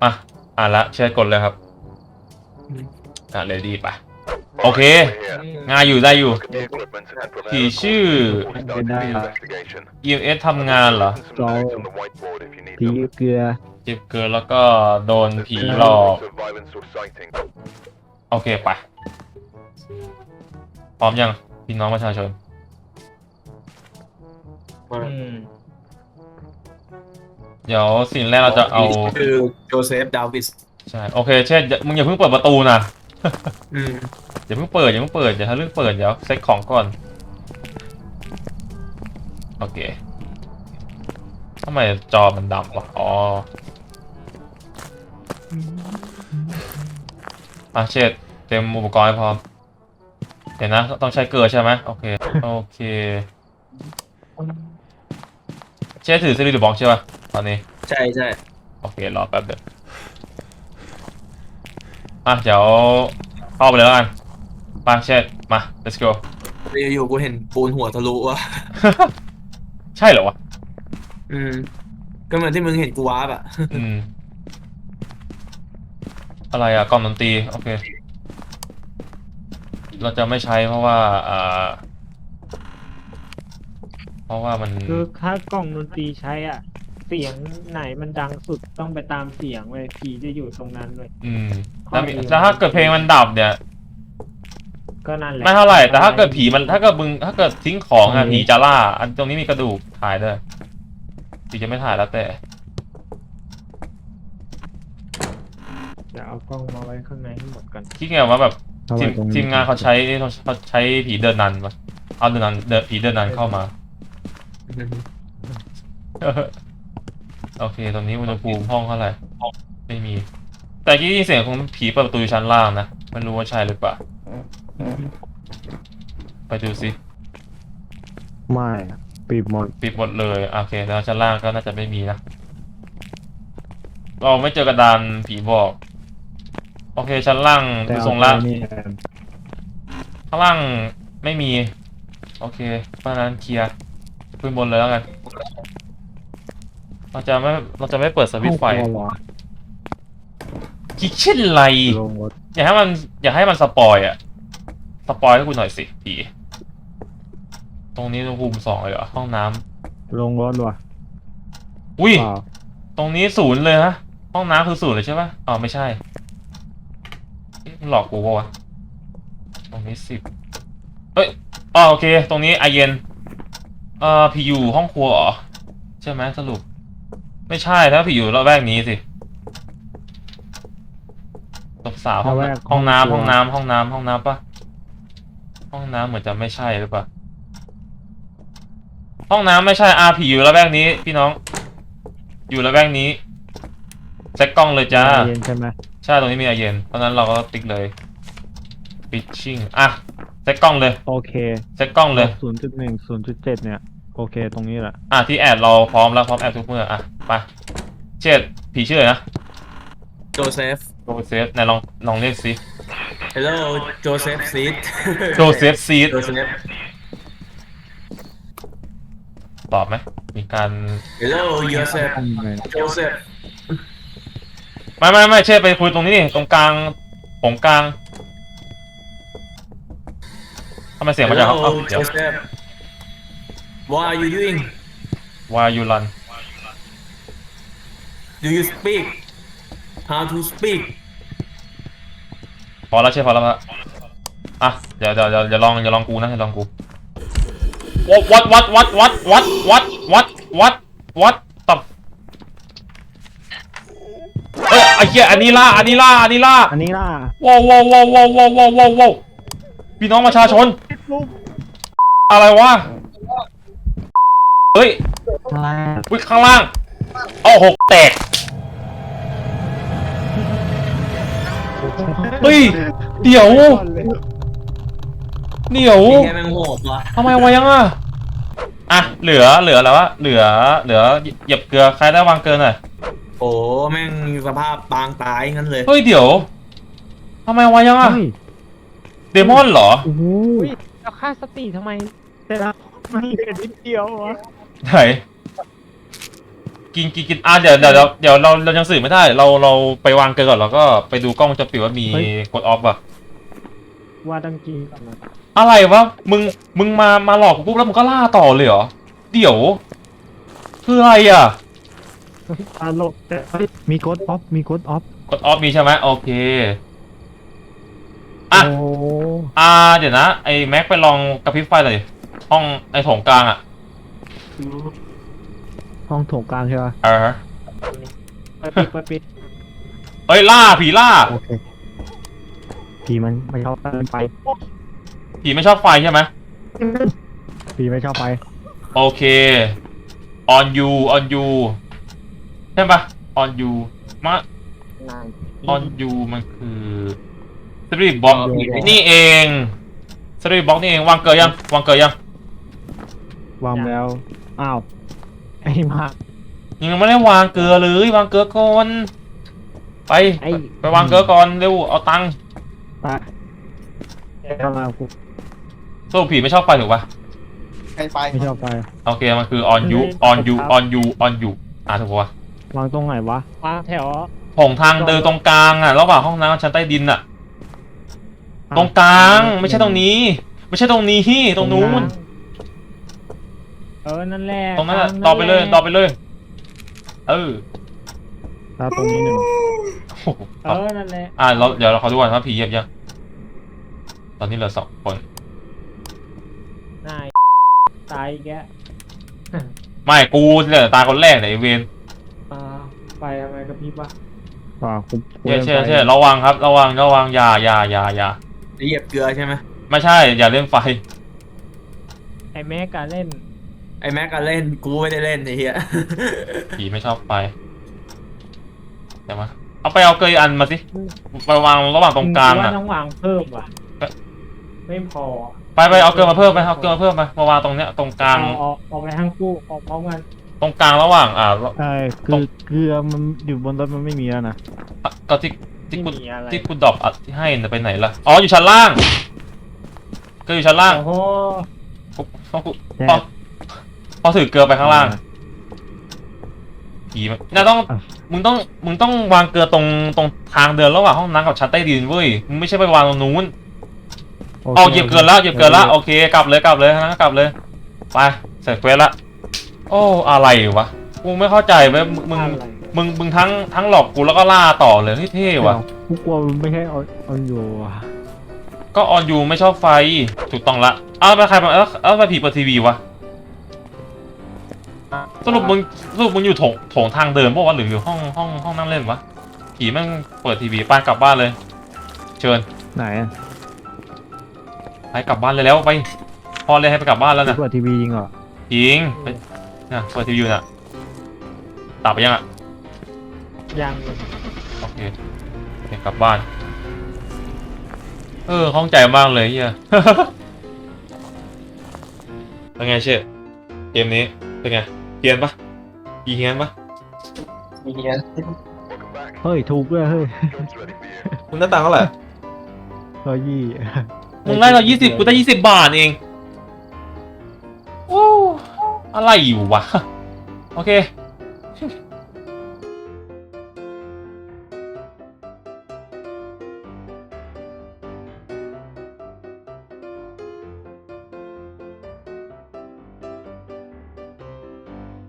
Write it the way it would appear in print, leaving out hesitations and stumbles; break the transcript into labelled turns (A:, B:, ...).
A: อ่ะละเชิญกดเลยครับเรดี้ไปโอเคงานอยู่ได้อยู่ผีชื่อ EMS ทำงานเหรอ
B: เราผีเกลือ
A: จิบเกินแล้วก็โดนผีหลอกโอเคไปพร้อมยังพี่น้องประชาชนเดี๋ยวสิ่งแรกเราจะเอา
C: คือโจเซฟดาวิส
A: ใช่โอเคเช่นมึงอย่าเพิ่งเปิดประตูนะอย่าเพิ่งเปิดอย่าเพิ่งเปิดอย่าทะลึ่งเปิดเดี๋ยวเซ็ตของก่อนโอเคทำไมจอมันดำวะอ๋อเช็ดเต็มอุปกรณ์ให้พร้อมเห็นนะต้องใช้เกลือใช่ไหมโอเคโอเคเช็ดถือซีรีส์หรือบล็อกใช่ป่ะตอนนี้
C: ใช่
A: โอเครอแป๊บเดียวเดี๋ยวเข้าไปเลยแล้วกันไปเช็ดมา let's go
C: อยู่กูเห็นปูนหัวทะลุว่ะ
A: ใช่เหรอวะ
C: ก็เหมือนที่มึงเห็นกูวาร์ปอ่ะ
A: อะไรกล่องดนตรีโอเคเราจะไม่ใช้เพราะว่ามัน
B: คือถ้ากล่องดนตรีใช้เสียงไหนมันดังสุดต้องไปตามเสียงเลยผีจะอยู่ตรงนั้นเลย
A: แล้วถ้าเกิดเพลงมันดับเนี่ย
B: ก็นั่นแหละ
A: ไม่เท่าไหร่แต่ถ้าเกิดผีมันถ้าเกิดทิ้งของผีจะล่าอันตรงนี้มีกระดูกถ่ายด้วยผีจะไม่ถ่ายแล้วแต่
B: จะเอากล้องมาไว้ข้างในให้หมดกัน
A: ที่ไงว่าแบบทีมงานเขาใช้ผีเดินนันมาเอาผีเดินนันเข้ามาโอเคตอนนี้อุณหภูมิห้องเท่าไหร่ไม่มีแต่ที่ได้ยินเสียงของผีเปิดประตูอยู่ชั้นล่างนะไม่รู้ว่าใช่หรือเปล่าไปดูสิ
B: ไม่ปิด
A: หมดเลยโอเคแล้วชั้นล่างก็น่าจะไม่มีนะเราไม่เจอกระดานผีบอกโอเคชั้นล่างดูทรงละข้างล่างไม่มีโอเคเพราะฉะนั้นเคลียร์ขึ้นบนเลยแล้วกันเราจะไม่เปิดสวิตช์ไฟคิดเช่นไรอย่าให้มันสปอยสปอยให้คุณหน่อยสิผีตรงนี้อุณหภูมิ2เลยเหรอห้องน้
B: ำลงรถว่ะ
A: อุ้ยตรงนี้0เลยฮะห้องน้ำคือ0เลยใช่ปะไม่ใช่หลอกกูปะวะตรงนี้10โอเคตรงนี้ไอเย็นผีอยู่ห้องครัวเหรอใช่ไหมสรุปไม่ใช่ถ้าผีอยู่ระแวกนี้สิตบสาวห้องน้ำปะห้องน้ำเหมือนจะไม่ใช่หรือเปล่าห้องน้ำไม่ใช่ผีอยู่ระแวกนี้พี่น้องอยู่ระแวกนี้เซ็ตกล้องเลยจ้า
B: เย็นใช่ไหม
A: ใช่ตรงนี้มีไอเย็นเพราะนั้นเราก็ติ๊กเลยปิชชิ่งเซ็ตกล้องเลย
B: โอเค
A: เซ็ตกล้องเลย
B: 0.1 0.7เนี่ยโอเคตรงนี้แหละ
A: ที่แอดเราพร้อมแล้วพร้อมแอดทุกเมื่อไปเช็ดผีชื่ออะไรนะ
C: โจเซฟ
A: ไหนลองเรียกสิ
C: Hello โจเซฟซีด
A: ตอบไหมมีการ
C: Hello โจเซฟ
A: ไม่เช็ดไปคุยตรงนี้ตรงกลางทำไมเสียงมาจาก
C: Hello โจเซฟ What are you doing
A: Why you run
C: Do you speak How to speak
A: พอแล้วเดี๋ยวลองกูนะลองกู what ตับไอ้เหี้ยอันนี้ล่าว้าวพี่น้องประชาชนอะไรวะเฮ้ยวิ่งข้างล่าง6แตกเฮ้ยเดี๋ยว
C: แกแมงโหดวะ
A: ทำไมวะยังเหลือแล้ววะเหลือเหยียบเกลือใครได้วางเกินหน่อย
C: โอ้แม่งสภาพปางตายงั้นเลย
A: เฮ้ยเดี๋ยวทำไมวะยังเดมอนเหรอ
B: โอ้โหแล้วค่าสติทำไมแต่ละมันเหลือนิดเดียววะ
A: ไหนกินเดี๋ยวเรายังสื่อไม่ได้เราไปวางเกินก่อนแล้วก็ไปดูกล้องวงจรปิดว่ามีกดออฟป่ะ
B: ว่าต้องกินก่อนนะ
A: อะไรวะมึงมาหลอกกูปุ๊บแล้วมึงก็ล่าต่อเลยเหรอเดี๋ยวคืออะไรอ่ะ
B: ตลกแต่
D: มีโค้ดออฟมีโค้ดออฟ
A: กดออฟมีใช่ไหมโอเคอ่ะ
D: โอ้
A: เดี๋ยวนะไอ้แม็กไปลองกระพริบไฟหน่อยดิห้องไอ้โถงกลางอ่ะ
D: ห้องโถงกลางใช่ป่ะ
B: ไปปิด
A: เอ้ยผีล่า
D: โอเคผีมันไม่ชอบไฟ
A: ผีไม่ชอบไฟใช่ไหม
D: ผีไม่ชอบไฟ
A: โอเค on you ใช่ปะ on you มา
B: นาน
A: on you มันคือสตรีทบ็อกนี่เองสตรีทบ็อกนี่เองวางเกยยัง
D: วางแล้วอ้าวไอ้มา
A: ยังไม่ได้วางเกลือเลยวางเกลือก่อนไป
B: ไอ้
A: ไปวางเกลือก่อนเร็วเอาตังค์
D: ปะเข้ามากู
A: สรุปผีไม่ชอบไฟถูกปะ
E: ใครไฟ
D: ไม่ชอบไฟ
A: โอเคมันคือ on you ถูกปะวะ
D: วางตรงไหนวะ
B: วางแถว
A: ผงทางเดินตรงกลางอ่ะระหว่างห้องน้ำกับชั้นใต้ดินอ่ะ ตรงกลางไม่ใช่ตรงนี้ ไม่ใช่ตรงนี้ตรงนู้น
B: นั่นแหละ
A: ตรงนั้นอ่ะต่อไปเลยเออ
D: แล้วตรงนี้หนึ่ง
A: โอ้โห
B: นั่นแหละ
A: เดี๋ยวเราขอดูก่อนว่าผีเหยียบยังตอนนี้เหลือ2 คน
B: นายตายแก
A: ไม่กูเหลือตาคนแรกไหนยไอ้เวน
B: ไปทำไมกับพี่ปะ
D: ว่ากู
A: เชื่อระวังครับระวังอย่า
C: เหยียบเกลือใช่ไหม
A: ไม่ใช่อย่าเล่นไฟ
B: ไอ้แม่การเล่น
C: ไอ้แม็กก็เล่นกูไม่ได้เล่นไอ้เหี้ย
A: ผีไม่ชอบไฟเดี๋ยวมาเอาเกยอันมาสิไปวางระหว่างตรงกลาง
B: ว่า
A: อ่ะ
B: ต้องวางเพิ่มว่ะไม่พอ
A: ไปเอาเกลือมาเพิ่มไปเอาเกลือมาเพิ่มไปมาวางตรงเนี้ยตรงกลาง
B: ออกไปทั้งคู่ออกพร้อมกัน
A: ตรงกลางระหว่าง
D: ใช่คือเกลือมันอยู่บนรถมันไม่มีแล้วนะ
A: ก็ที่
B: ไม่
A: กู
B: มีอะไร
A: ที่กูดรอปอัดที่ให้น่ะไปไหนล่ะอ๋ออยู่ชั้นล่างเกลืออยู่ชั้นล่าง
B: โอ้โห
A: พอถือเกลือไปข้างล่างผีมันน่าต้องมึงต้องวางเกลือตรงทางเดินระหว่างห้องน้ำกับชั้นใต้ดินเว้ยมึงไม่ใช่ไปวางตรงนู้น
D: โอค
A: เอาเหยียบเกลือแล้วโอเคกลับเลยนะกลับเลยไปเสร็จเควสละโอ้อะไรวะกูไม่เข้าใจเว้ยมึงทั้งหลอกกูแล้วก็ล่าต่อเลยเท่ๆว่ะ
D: กูกลัวมันไม่ใช่เอาอยู่ว่ะ
A: ก็ออนยูไม่ชอบไฟถูกต้องละไปใครมาไปผีเปิดทีวีวะสรุปมึงอยู่โถงทางเดินป่ะวะหรืออยู่ห้องนั่งเล่นวะผีแม่งเปิดทีวีไปกลับบ้านเลย เชิญ
D: ไหนอ่ะ
A: ไปกลับบ้านเลยแล้วไปพอเลยให้ไปกลับบ้านแล้วนะ
D: เปิดทีวีจริงเหรอ
A: จริงไปน่ะเปิดทีวีอยู่น่ะตับไปยังอ่ะ
B: ยัง
A: โอเคกลับบ้านข้องใจมากเลยเฮีย เป็นไงเช่เกมนี้เป็นไงเฮียนปะเฮียนปะ
E: มีเงี้ย
D: เฮ้ยถูกด้วยเฮ้ย
A: คุณหน้าตังเท่าไหร่
D: 120
A: มึงได้เรา20กูได้20 บาทเองโอ้อะไรอยู่วะโอเค